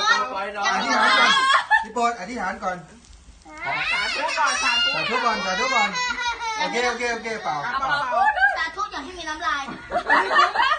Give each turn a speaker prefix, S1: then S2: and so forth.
S1: อธิษฐานก่อนพี่โปรดอธิษฐานก่อน
S2: สาธุก่อนสาธุ
S1: สาธุก่อนสาธุก่อนโอเคเปล่า
S2: สาธุอย่าให้มีน้ำลาย